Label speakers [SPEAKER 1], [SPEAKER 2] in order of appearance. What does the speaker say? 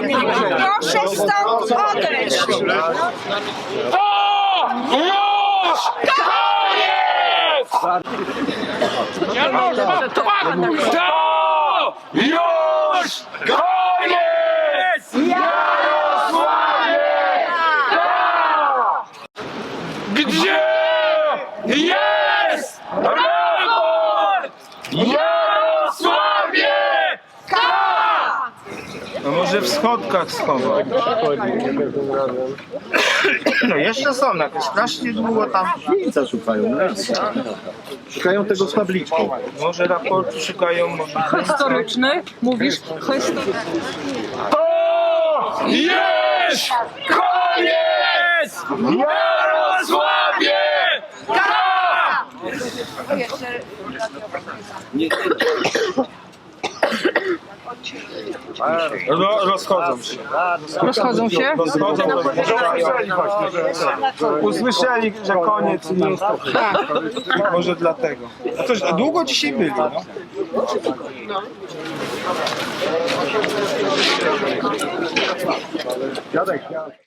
[SPEAKER 1] Proszę stąd odejść.
[SPEAKER 2] To już koniec! Nie można pakować! To już koniec! Jarosławie! Gdzie jest raport? Jarosławie!
[SPEAKER 3] No może w schodkach schował. No jeszcze są jakieś strasznie długo tam.
[SPEAKER 4] Miejsca szukają. Szukają tego z tabliczką.
[SPEAKER 3] Może raportu szukają, może.
[SPEAKER 5] Historyczny? Mówisz?
[SPEAKER 2] To jest koniec! Jarosławie!
[SPEAKER 3] Rozchodzą się.
[SPEAKER 5] Rozchodzą się?
[SPEAKER 3] Usłyszeli, że koniec i nie jest to. Może dlatego. A to długo dzisiaj byli, no?
[SPEAKER 4] Dziadek.